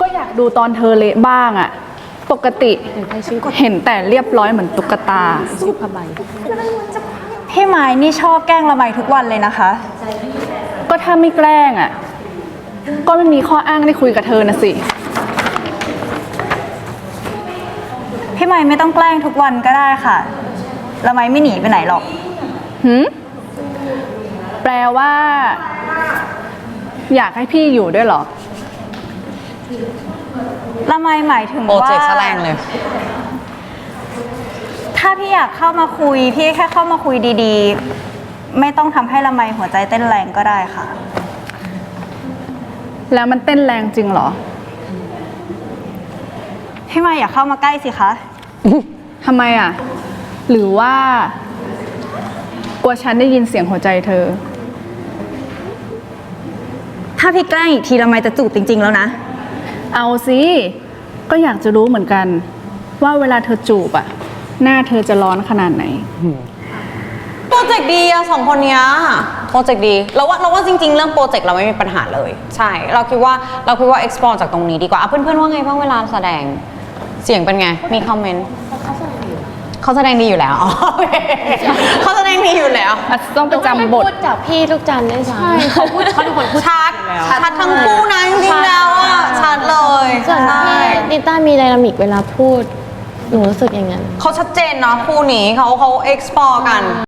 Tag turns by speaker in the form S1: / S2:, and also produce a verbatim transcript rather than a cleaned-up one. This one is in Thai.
S1: อยากดูตอนเธอเละบ้างอะปกติเห็นแต่เรียบร้อยเหมือนตุ๊กตาชุดผ้าใบ
S2: พี่ไม้นี่ชอบแกล้งละไมทุกวันเลยนะคะ
S1: ก็ถ้าไม่แกล้งอะก็ไม่มีข้ออ้างได้คุยกับเธอนะสิ
S2: พี่ไม้ไม่ต้องแกล้งทุกวันก็ได้ค่ะละไมไม่หนีไปไหนหรอก
S1: หืมแปลว่า อยากให้พี่อยู่ด้วยเหรอ
S2: ละไมหมายถึงว่า
S3: โปรเจกต์แสดงเลย
S2: ถ้าพี่อยากเข้ามาคุยพี่แค่เข้ามาคุยดีๆไม่ต้องทำให้ละไมหัวใจเต้นแรงก็ได้ค่ะ
S1: แล้วมันเต้นแรงจริงเหรอ
S2: พี่ไม้อยากเข้ามาใกล้สิคะ
S1: ทำไมอ่ะหรือว่ากลัวฉันได้ยินเสียงหัวใจเธอ
S2: ถ้าพี่แกล้งอีกทีละไมจะจูบจริงๆแล้วนะ
S1: เอาสิก็อยากจะรู้เหมือนกันว่าเวลาเธอจูบอะหน้าเธอจะร้อนขนาดไหน
S3: โปรเจกต์ดีอะสองคนเนี้ยโปรเจกต์ดีเราว่าเราว่าจริงๆเรื่องโปรเจกต์เราไม่มีปัญหาเลยใช่เราคิดว่าเราคิดว่า explore จากตรงนี้ดีกว่าเพื่อนๆว่าไงบ้างเวลาแสดงเสียงเป็นไงมีคอมเมนต์เขาแสดงดีอยู่แล้วเขาแสดงดีอยู่แล้ว
S1: ต้องไปจำบท
S4: จากพี่ลูกจันได้ใช่เขาพูดเขาเป็นคนพูด
S3: ชัดชัดทั้งคู่นะจริงๆแล้วอะชัดเลย
S4: ส่วนพี่นิต้ามีไดนามิกเวลาพูดหนูรู้สึกอย่างนั้น
S3: เขาชัดเจนเนาะคู่นี้เขาเขา explore กัน